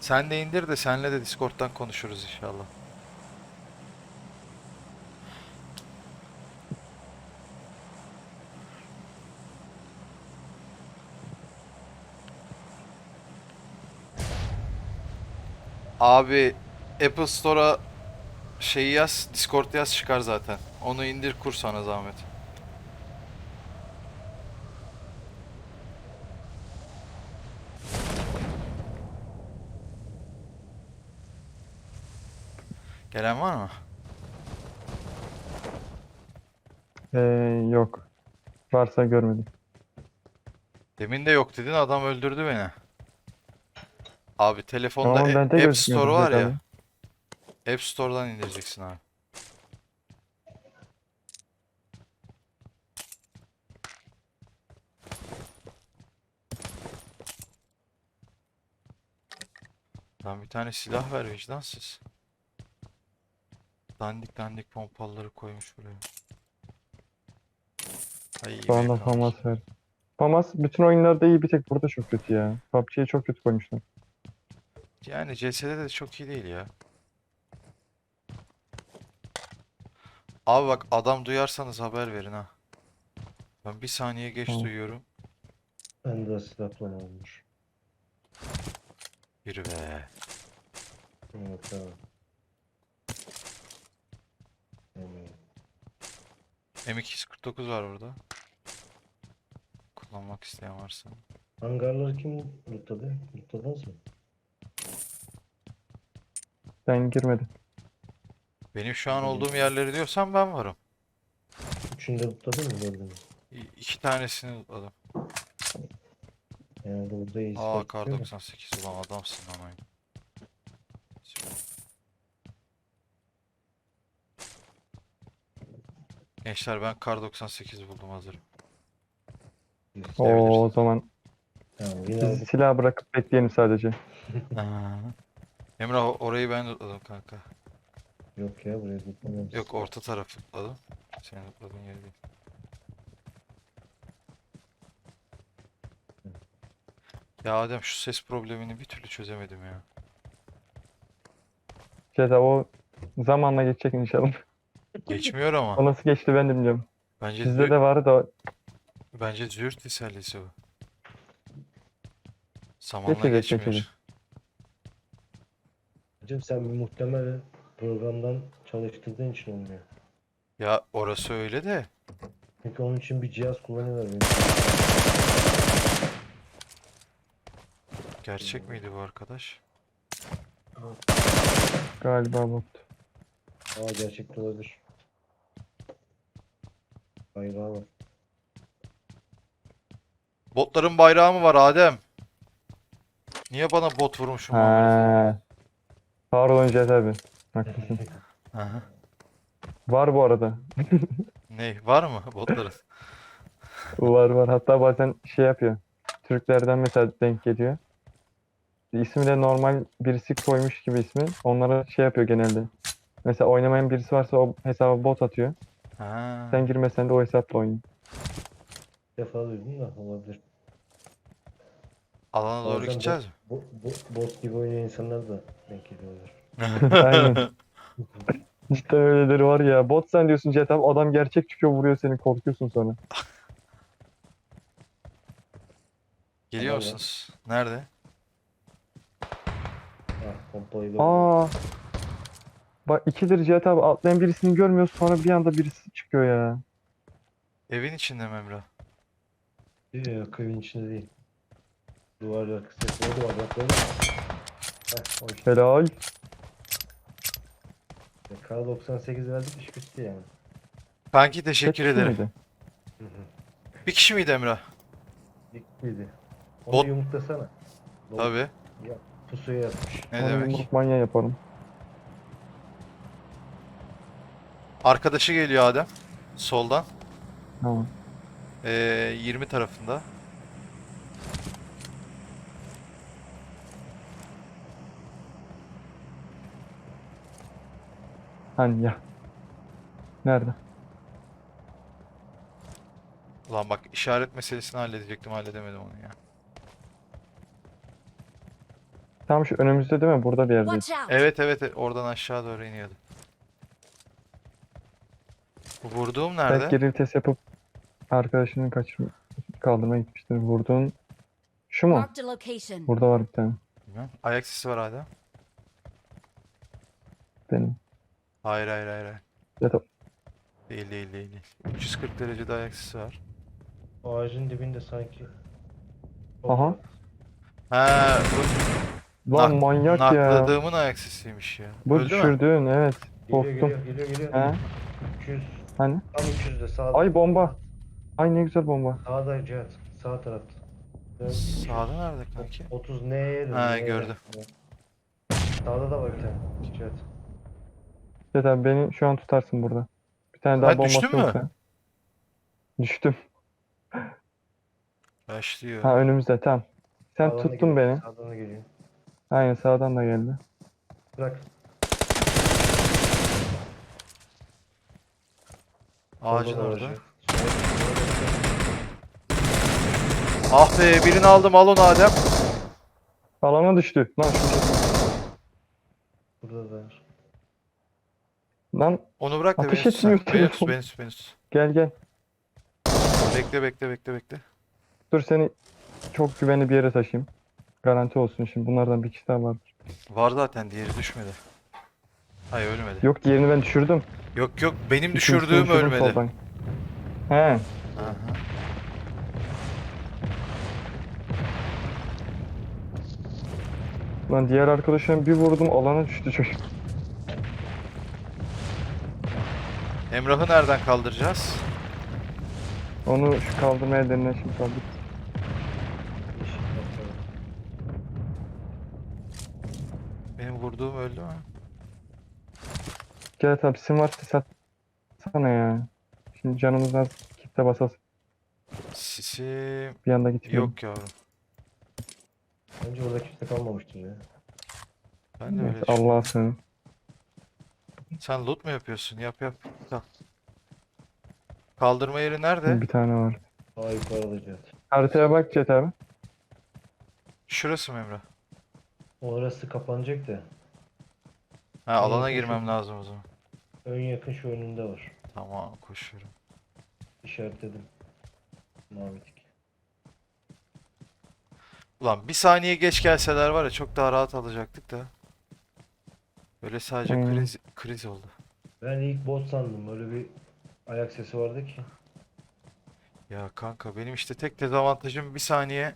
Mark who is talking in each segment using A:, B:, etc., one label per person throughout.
A: Sen de indir de senle de Discord'dan konuşuruz inşallah. Abi Apple Store'a şeyi yaz, Discord yaz çıkar zaten. Onu indir kur sana zahmet. Gelen var mı?
B: Yok. Varsa görmedim.
A: Demin de yok dedin adam öldürdü beni. Abi telefonda
B: Ama bende
A: App Store
B: gözükmüyordu
A: var
B: Cihat
A: ya.
B: abi.
A: App Store'dan indireceksin abi. Lan bir tane silah ver vicdansız. Dandik dandik pompaları koymuş buraya. Ay
B: Şu anda
A: memnun oldum.
B: FAMAS var. FAMAS bütün oyunlarda iyi, bir tek burada çok kötü ya. PUBG'yi çok kötü koymuşlar.
A: Yani CS'de de çok iyi değil ya. Abi bak adam duyarsanız haber verin ha. Ben bir saniye geç
B: Tamam.
A: duyuyorum.
C: Ben de silah olmuş.
A: Yürü be.
C: Evet tamam. Yani,
A: M249 var burada. Kullanmak isteyen varsa.
C: hangarları kim lootladı? Lootladınız mı?
B: Ben girmedim.
A: Benim şu an
C: Benim
A: olduğum yerleri diyorsan ben varım.
C: üçünde lootladın mı gördün mü?
A: İki tanesini aldım.
C: Yani burada iyi
A: Aa
C: silah
A: kar
C: tutuyor da.
A: 98 ulan adamsın lan oyun. Gençler ben kar 98 buldum hazırım.
B: O
A: Gidebiliriz.
B: zaman
C: Tamam yine
B: biz
C: aldık.
B: silah bırakıp bekleyelim sadece.
A: Aa. Emrah orayı ben tutladım kanka.
C: Yok ya buraya lootlamayız.
A: Yok orta taraf tutladım. Senin tutladığın yeri değil. Ya Adem şu ses problemini bir türlü çözemedim ya.
B: Cihat abi, o zamanla geçecek inşallah.
A: Geçmiyor ama.
B: O nasıl geçti ben de bilmiyorum.
A: Bence
B: Bizde de vardı da
A: bence züğürt tesellisi bu. Zamanla
B: geçecek geçecek.
A: geçmiyor.
C: Hocam sen bir muhtemel programdan çalıştırdığın için olmuyor.
A: Ya orası öyle de.
C: Çünkü onun için bir cihaz kullanıyorlar benim.
A: Gerçek miydi bu arkadaş?
B: Galiba bot.
C: Aa gerçekte olabilir. Bayrağı var.
A: Botların bayrağı mı var Adem? Niye bana bot vurmuşum muamelesi?
B: Ha, pardon Cihat abi. Haklısın.
A: Aha.
B: Var bu arada.
A: Ne var mı botların?
B: Var var. Hatta bazen şey yapıyor. Türklerden mesela denk geliyor. İsmi de normal birisi koymuş gibi ismi. Onlara şey yapıyor genelde. Mesela oynamayan birisi varsa o hesaba bot atıyor. Sen
A: Ha.
B: girmesen de o hesapla oynuyor.
C: Bir defa duydum da olabilir.
A: Alana doğru
C: Bazen
A: gideceğiz mi?
C: bot gibi oynayan insanlar da denk geliyorlar.
B: Aynen. Cidden öyleleri var ya. Bot sen diyorsun Cihat abi, adam gerçek çıkıyor vuruyor seni, korkuyorsun sonra.
A: Geliyor
C: Adam var.
A: musunuz? Nerede?
C: Ah pompayı gördüm.
B: Aa, bak ikidir Cihat abi, atlayan birisini görmüyoruz, sonra bir anda birisi çıkıyor ya.
A: Evin içinde mi Emrah?
C: Yok evin içinde değil. Duvarlar arkası. O duvar bak böyle. Heh o işte.
B: Helal.
C: K98 verdik iş bitti yani.
A: Kanki
B: Tek
A: teşekkür
B: kişi
A: ederim.
B: miydi?
C: Hı hı.
A: Bir kişi miydi Emrah?
C: Bittiydi. Onu
A: Bot
C: yumurtlasana. Lavuk.
A: tabii.
C: Ya pusuya yatmış.
A: Ne
B: Onu
A: demek?
B: yumruk manyağı yaparım.
A: Arkadaşı geliyor Adem. Soldan.
B: Tamam.
A: 20 tarafında.
B: Hani ya. Nerede?
A: Ulan bak işaret meselesini halledecektim halledemedim onu ya.
B: Tam şu önümüzde değil mi? Burada bir yerdeyiz.
D: Watch out!
A: Evet evet evet, oradan aşağı doğru iniyordu. Bu vurduğum
B: Belki
A: nerede?
B: geri vites yapıp arkadaşını kaldırmaya gitmiştir. Vurduğun şu mu?
D: Marked a location.
B: Burada var bir tane.
A: Bilmem. Ayak sesi var hala.
B: Benim.
A: Hayır hayır hayır, hayır.
B: Ya da
A: Değil değil değil değil. 340 derecede ayak sesi var.
C: Ağacın dibinde sanki.
B: Aha.
A: Ha, bu
B: Lan manyak ya.
A: nakladığımın ayak sesiymiş ya.
B: Bu
A: Öldü mü?
B: düşürdüğün evet.
C: Geliyor
B: Korktum.
C: geliyor.
B: He?
C: 200.
B: Hani?
C: Tam 200'de sağda.
B: Ay bomba. Ay ne güzel bomba.
C: Sağda Cihat. Sağ tarafta. Dön.
A: Sağda nerede kanki?
C: 30 neye dön?
A: Ha,
C: neye
A: gördüm.
C: dön? Sağda da var bir tane. Cihat.
B: Ya da beni şu an tutarsın burada. Bir tane daha
A: Ha,
B: bombası
A: düştün mü?
B: yoksa. Düştüm.
A: Başlıyor.
B: Ha önümüzde tam. Sen
C: Sağdan da
B: tuttun
C: geliyor,
B: beni.
C: Sağdan da geliyor.
B: Aynen sağdan da geldi.
C: Bırak.
A: Ağacın
C: Solda da var
A: orada.
C: Cihat. Solda
A: Ah be, birini aldım, al onu Adem.
B: Alana düştü. Lan şu
C: Burada da var.
B: Lan
A: Onu bırak da
B: Ateş
A: beni tutsan.
B: etmiyor
A: Beni tut,
B: telefon.
A: beni tut, beni tut.
B: gel.
A: Bekle bekle bekle bekle.
B: Dur seni çok güvenli bir yere taşıyayım. Garanti olsun şimdi. Bunlardan bir kişi daha var.
A: Var zaten, diğeri düşmedi. Hayır, ölmedi.
B: Yok diğerini ben düşürdüm.
A: Yok yok, benim
B: İkincisini
A: düşürdüğüm
B: düşürdüm
A: ölmedi.
B: soldan. He.
A: Aha.
B: Lan diğer arkadaşım bir vurdum alana düştü çocuk.
A: Emrah'ı nereden kaldıracağız?
B: Onu şu kaldırmaya denilen şimdi kaldık.
C: Yeşil nokta.
A: Benim vurduğum öldü mü?
B: Gel tabi sim varsa satsana ya. Şimdi canımız az kitle basas
A: Sisim
B: bir anda gitmiyor.
A: yok yavrum.
C: Bence orada kimse kalmamıştır ya.
A: Ben de öyle
B: Neyse,
A: düşünüyorum.
B: Allah'a sığın.
A: Sen loot mu yapıyorsun? Yap yap. Tamam. Kaldırma yeri nerede?
B: Bir tane var.
C: Daha yukarıda Cihat.
B: Haritaya bak Cet abi.
A: Şurası mı Emrah?
C: Orası kapanacak da.
A: Ha, alana
C: yakın
A: girmem
C: şu-
A: lazım o zaman.
C: Ön yakın şu önünde var.
A: Tamam, koşuyorum.
C: İşaretledim. Mavi tik.
A: Ulan bir saniye geç gelseler var ya, çok daha rahat alacaktık da. Böyle sadece
B: Hmm.
A: kriz oldu.
C: Ben ilk bot sandım. Öyle bir ayak sesi vardı ki.
A: Ya kanka, benim işte tek dezavantajım bir saniye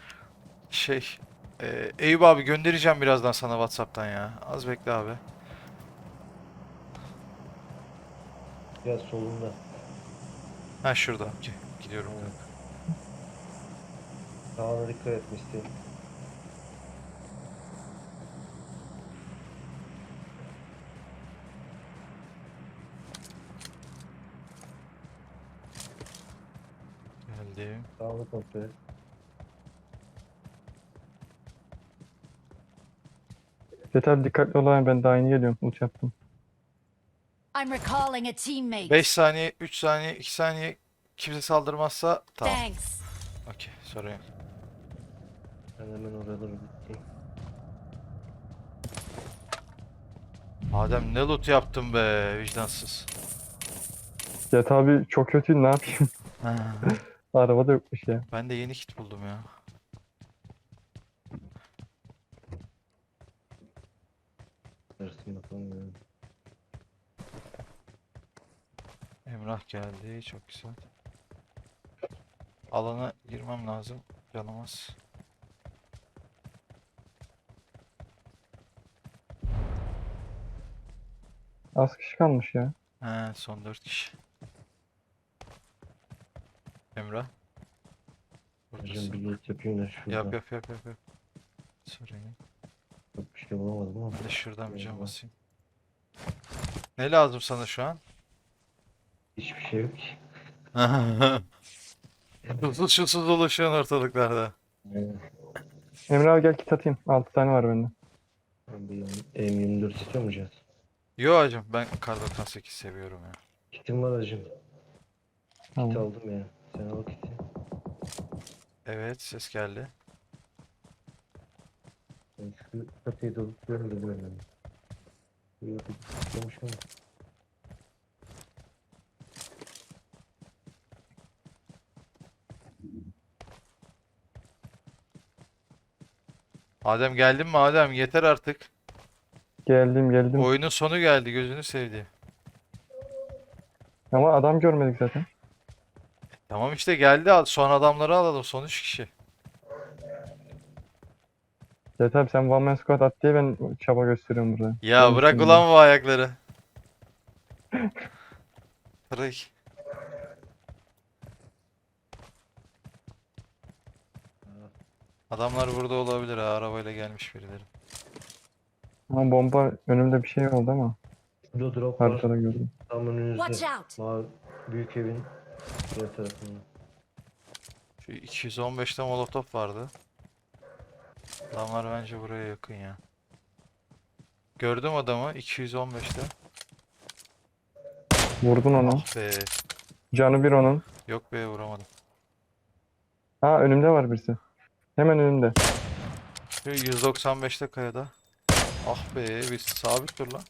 A: Eyüp abi, göndereceğim birazdan sana WhatsApp'tan ya. Az bekle abi.
C: Biraz solunda.
A: Ha, şurada. Gidiyorum
C: Evet.
A: kanka.
C: Sağına dikkat et Misty.
A: Geldim.
C: Sağını kontrol et.
B: Cet abi dikkatli ol ben daha yeni geliyorum. Uç yaptım.
D: I'm recalling a teammate.
A: 5 saniye, 3 saniye, 2 saniye, kimse saldırmazsa tamam.
D: Thanks.
A: Okey, sorun yok.
C: Ben hemen oraya doğru gideyim.
A: Adem, ne loot yaptın be vicdansız.
B: Cet abi çok kötü ne yapayım? Araba da yokmuş ya.
A: Ben de yeni kit buldum ya.
C: Arasın bakalım ya.
A: Emrah geldi, çok güzel. Alana girmem lazım. Canımız.
B: Az kişi kalmış ya.
A: He, son 4 kişi. Emrah.
C: Hocam
A: Buradasın.
C: bir loot yapayım da şurada.
A: Yap yap yap yap yap. Sorun yok.
C: Çok bir şey bulamadım ama.
A: Ben de şuradan bir cam
C: Eyvallah.
A: basayım. Ne lazım sana şu an?
C: Hiçbir şey yok ki.
A: Susuz şusuz dolaşıyorsun ortalıklarda.
B: Emre abi gel kit atayım. 6 tane var bende.
C: Ben bir M24 istiyor mu Cihat?
A: Yo hacım, ben kar 98 seviyorum ya.
C: Kitim var hacım. Kit
B: Tamam.
C: aldım ya. Sen al kiti.
A: Evet, ses geldi.
C: Ben şu katıyı da görmedim. Yok, tutmamış ama.
A: Adem geldin mi Adem? Yeter artık.
B: Geldim.
A: Oyunun sonu geldi, gözünü sevdi.
B: Ama adam görmedik zaten.
A: Tamam işte geldi. Son adamları alalım. Son 3 kişi.
B: Yeter abi sen one man squad at diye ben çaba gösteriyorum burada.
A: Ya
B: Benim
A: bırak
B: üstümden.
A: ulan bu ayakları. Bırak. Adamlar burada olabilir ha. Arabayla gelmiş birileri.
B: Ama bomba önümde bir şey oldu ama
C: Burada drop var.
B: haritada gördüm.
C: Tam
D: Watch
C: önünüzde.
D: out!
C: Mavi büyük evin diğer tarafında.
A: Şu 215'te molotof vardı. Adamlar bence buraya yakın ya. Gördüm adamı 215'te.
B: Vurdun onu.
A: Ah be.
B: Canı bir onun.
A: Yok be vuramadım.
B: Ha önümde var birisi. Hemen önümde.
A: Şu 195'te kayada. Ah be bir sabit dur lan.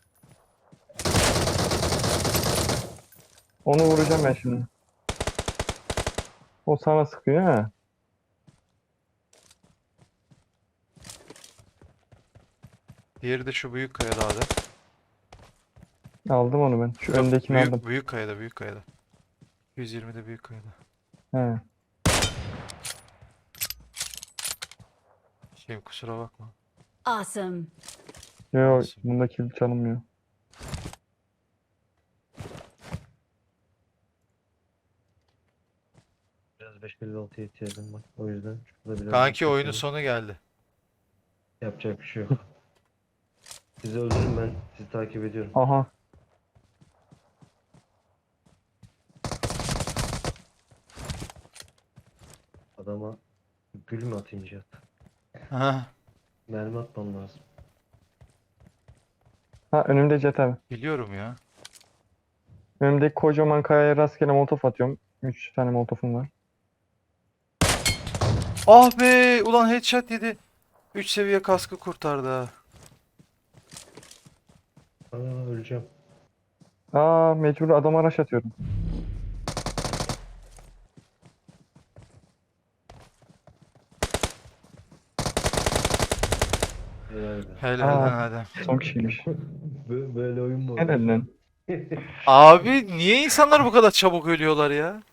B: Onu vuracağım ben şimdi. O sana sıkıyor ha.
A: Diğeri de şu büyük kayada Adem.
B: Aldım onu ben. Şu
A: Yok,
B: öndekini
A: büyük,
B: aldım.
A: büyük kayada büyük kayada. 120'de büyük kayada.
B: He.
A: Kusura bakma.
D: Awesome.
B: Yok
A: Olsun.
B: bunda kill çalınmıyor.
C: Biraz 556'ya ihtiyacım var. O yüzden şurada biraz
A: Kanki
C: yüksek
A: oyunun
C: olayım.
A: sonu geldi.
C: Yapacak bir şey yok. Sizi öldürün, ben sizi takip ediyorum.
B: Aha.
C: Adama gül mü atayım Cihat?
A: Ha,
C: Mermi atmam lazım.
B: Ha önümde Jet abi.
A: biliyorum ya.
B: Önümdeki kocaman kayaya rastgele molotof atıyorum. 3 tane molotofum var.
A: Ah be ulan headshot yedi. 3 seviye kaskı kurtardı ha.
C: Aa, öleceğim.
B: Aa mecbur adama rush atıyorum.
C: Helal be.
A: Helal
B: Aa.
A: lan Adem.
B: Son kişiymiş.
C: Böyle oyun mu olur?
B: Helal lan.
A: Abi niye insanlar bu kadar çabuk ölüyorlar ya?